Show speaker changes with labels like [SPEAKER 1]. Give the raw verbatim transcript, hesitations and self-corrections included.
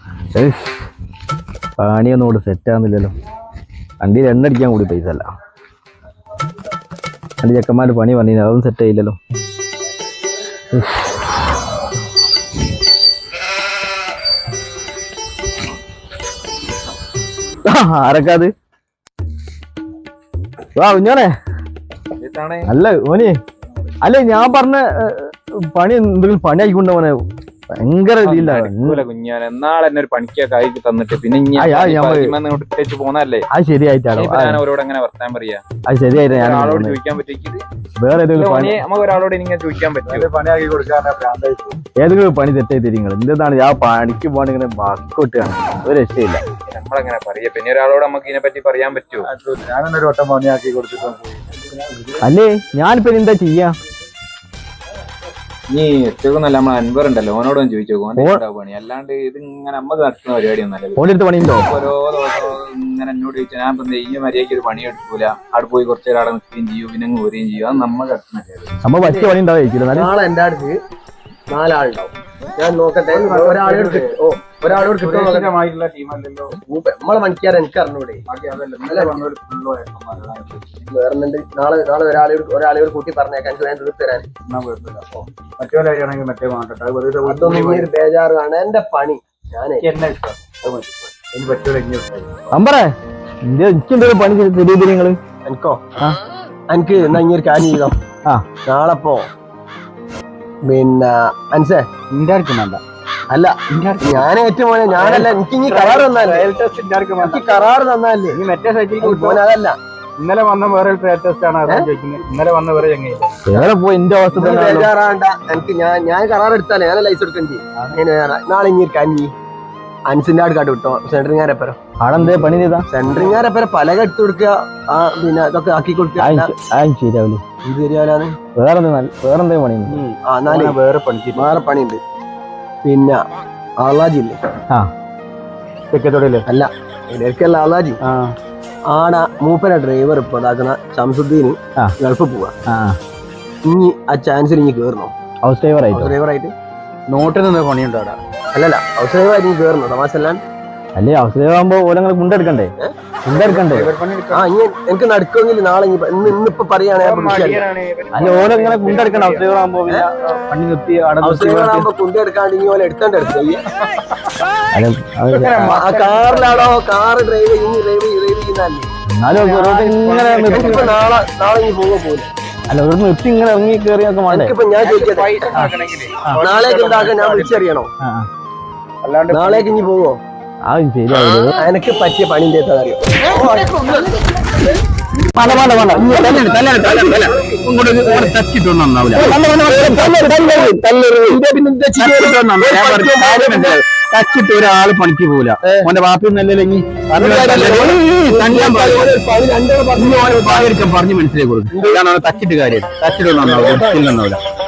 [SPEAKER 1] പണിയൊന്നും കൂടെ സെറ്റാകുന്നില്ലല്ലോ. വണ്ടിയിൽ എണ്ണ അടിക്കാൻ കൂടി പൈസ അല്ല. രണ്ട് ചെക്കന്മാർ പണി പറഞ്ഞു, അതൊന്നും സെറ്റ് ആയില്ലല്ലോ. ആരൊക്കെ അത്? വാ കുഞ്ഞോനെ. അല്ല മോനെ, അല്ല ഞാൻ പറഞ്ഞ പണി എന്തെങ്കിലും പണി ആയിക്കൊണ്ട മോനെ. ഭയങ്കര
[SPEAKER 2] കുഞ്ഞാൻ എന്നാളെ എന്നെ ഒരു പണിക്കാ കൈ തന്നിട്ട് പിന്നെ പോന്നല്ലേ.
[SPEAKER 1] അത് ശരിയായിട്ടാണോ
[SPEAKER 2] അവരോട് എങ്ങനെ വർത്താൻ പറയാ?
[SPEAKER 1] അത് ശരിയായിട്ട് ഞാൻ
[SPEAKER 2] ആളോട് ചോദിക്കാൻ പറ്റിയത്
[SPEAKER 1] വേറെ
[SPEAKER 2] നമുക്ക് ഒരാളോട് ഇങ്ങനെ ചോദിക്കാൻ പറ്റും. പണിയാക്കി കൊടുക്കാൻ
[SPEAKER 1] ഏതെങ്കിലും പണി തെറ്റായി തരിങ്ങൾ എന്താണ് ആ പണിക്ക് പോകണ ഇങ്ങനെ ബാക്കോട്ടാണ്. ഒരു രക്ഷയില്ല.
[SPEAKER 2] നമ്മളങ്ങനെ പറയാ. പിന്നെ ഒരാളോട് നമുക്ക് ഇതിനെ പറ്റി പറയാൻ പറ്റുമോ?
[SPEAKER 3] ഞാനൊരു വട്ടം പണിയാക്കി കൊടുത്തിട്ട്
[SPEAKER 1] അല്ലേ ഞാനിപ്പോ എന്താ ചെയ്യാ?
[SPEAKER 2] നീ ഏറ്റവും നല്ല നമ്മളെ അൻവർ ഉണ്ടല്ലോ, ഓനോടൊന്നും ചോദിച്ചോ. പണി അല്ലാണ്ട് ഇത് ഇങ്ങനെ നമ്മക്ക് നടത്തുന്ന പരിപാടി ഒന്നല്ലോ.
[SPEAKER 1] പണിയുണ്ടോ?
[SPEAKER 2] ഓരോ ദിവസം ഇങ്ങനെ എന്നോട് ചോദിച്ചാൽ ഞാൻ പറഞ്ഞ ഈ മര്യാദയ്ക്ക് ഒരു പണി എടുക്കൂല, അവിടെ പോയി കുറച്ചു നേരം അവിടെ നിൽക്കുകയും ചെയ്യും, പിന്നെ ഊരുകയും ചെയ്യും. അത് നമ്മൾ നടത്തുന്ന
[SPEAKER 1] നമ്മ പറ്റിയ പണി ഉണ്ടാവും.
[SPEAKER 4] നാളെ എന്റെ അടുത്ത് നാലാളുണ്ടാവും. ഞാൻ നോക്കട്ടെ ഒരാളോട് ഓ ഒരാളോട്
[SPEAKER 3] കിട്ടുമായിട്ടുള്ള ടീമല്ലല്ലോ
[SPEAKER 4] നമ്മളെ പണിക്കാരെ എനിക്ക് അറിഞ്ഞൂടെ. വേറെന്നുണ്ട് നാളെ നാളെ ഒരാളോട് ഒരാളോട് കൂട്ടി പറഞ്ഞേക്കാൻ ഞാൻ തീർത്ത് തരാൻ.
[SPEAKER 3] മറ്റേ മറ്റേ
[SPEAKER 4] അതൊന്നും ഒരു ബേജാറാണ് എന്റെ പണി. ഞാനേ
[SPEAKER 1] അമ്പറേ എനിക്കെന്തൊരു പണി തരീ നിങ്ങള്.
[SPEAKER 4] എനിക്കോ എനിക്ക് എന്നാ ഇങ്ങനെ ഒരു കാര്യം ചെയ്തോ.
[SPEAKER 1] ആ
[SPEAKER 4] നാളെ പോ. പിന്നെ അൻസേ
[SPEAKER 1] നിന്റെ ആർക്കും വേണ്ട.
[SPEAKER 4] അല്ല ഞാൻ ഏറ്റവും മോനെ ഞാനല്ല. എനിക്ക് ഇനി കരാറ് തന്നാലേ എനിക്ക് കരാറ് തന്നാലേ
[SPEAKER 3] ഈ മറ്റേ സൈറ്റിൽ
[SPEAKER 4] മോനെ അതല്ല.
[SPEAKER 3] ഇന്നലെ വന്ന വേറെ ടെസ്റ്റ് ആണ് ചോദിക്കുന്നത്. ഇന്നലെ വന്ന വേറെ ചങ്ങയില്ല.
[SPEAKER 1] വേറെ പോയി എന്റെ അവസ്ഥ
[SPEAKER 4] ബേജാറാണ്ട. എനിക്ക് ഞാൻ ഞാൻ കരാർ എടുത്താലേ ഞാൻ ലൈസ് എടുക്കേണ്ടി. നാളെ ഇനി ഒരു കഞ്ഞി അൻസിന്റെ ആട് കാട്ട് വിട്ടോ. സെൻട്രിങ്ങാരെപ്പരം
[SPEAKER 1] ആടെന്തേ പണി ചെയ്താ?
[SPEAKER 4] സെൻട്രിങ്ങാരെപ്പരം പലക എടുത്തു കൊടുക്കുക. ആ പിന്നെ ഇതൊക്കെ ആക്കി കൊടുക്കുക.
[SPEAKER 1] ശരിയാവില്ല.
[SPEAKER 4] ഇത് ശരിയാവില്ലാന്ന്
[SPEAKER 1] വേറെ വേറെന്തേ പണി?
[SPEAKER 4] ആ നാല് വേറെ പണി വേറെ പണിയുണ്ട്. പിന്നെ ആളാജില്ലേ?
[SPEAKER 1] ആ
[SPEAKER 4] തെക്കത്തോടല്ലേ? അല്ല ഇടയ്ക്കല്ല ആളാജി. ആട മൂപ്പന ഡ്രൈവർ ഇപ്പൊ ഇതാക്കുന്ന ശംസുദ്ദീന് ഗൾഫ് പോവാ. ഇനി ആ ചാൻസിൽ ഇനി കേറണോ
[SPEAKER 1] ഹൗസ് ഡ്രൈവർ ആയിട്ട്?
[SPEAKER 4] ഡ്രൈവർ ആയിട്ട്
[SPEAKER 3] നോട്ടിൽ നിന്ന് പണിയുണ്ടോ അവിടെ?
[SPEAKER 4] അല്ലല്ല ഹൗസ് ഡ്രൈവർ ആയിട്ട് കേറണോ? തമാശല്ലാൻ
[SPEAKER 1] അല്ലേ ഹൗസ് ഡ്രൈവർ ആകുമ്പോ ഓരങ്ങനെ മുണ്ടെടുക്കണ്ടേ? മുണ്ടെടുക്കണ്ടേ?
[SPEAKER 4] ആ ഇനി എനിക്ക് നടക്കുമെങ്കിൽ നാളെ ഇന്ന് ഇന്നിപ്പൊ പറയുകയാണെങ്കിൽ
[SPEAKER 1] അല്ല ഓരങ്ങനെ കുണ്ടെടുക്കണ്ട. ഹൗസ് ഡ്രൈവർ ആകുമ്പോ പണി നിർത്തി
[SPEAKER 4] ഹൗസ് ഡ്രൈവർ ആകുമ്പോ കുണ്ടെടുക്കാണ്ട് ഇനി ഓലെ എടുത്തോണ്ട് എടുത്ത് ആ കാറിലാണോ കാറ് ഡ്രൈവ് ഇനി ഡ്രൈവ് ഡ്രൈവ് ചെയ്യുന്നല്ലേ.
[SPEAKER 1] എന്നാലും
[SPEAKER 4] നാളെ നാളെ ഇനി പോകാൻ പോലെ.
[SPEAKER 1] അല്ല ഒരു നിർത്തി ഇങ്ങനെ ഇറങ്ങി കയറിയൊക്കെ വേണ്ടേ?
[SPEAKER 4] എനിക്കിപ്പോ ഞാൻ ചോദിക്കട്ടെ നാളേക്ക് ഉണ്ടാക്കാൻ ഞാൻ വിളിച്ചറിയണോ? നാളേക്ക് ഇനി പോവോ?
[SPEAKER 1] ആ ശരിയാവില്ല.
[SPEAKER 4] എനിക്ക് പറ്റിയ പണി അറിയോ?
[SPEAKER 1] പല പല പല തച്ചിട്ട് ഒരാള് പണിക്ക് പോവില്ല. ഓന്റെ വാപ്പി നല്ലെങ്കിൽ പറഞ്ഞു മനസ്സിലാക്കി കൊടുക്കും. തച്ചിട്ട് കാര്യം തച്ചിട്ട് നന്നാവില്ല.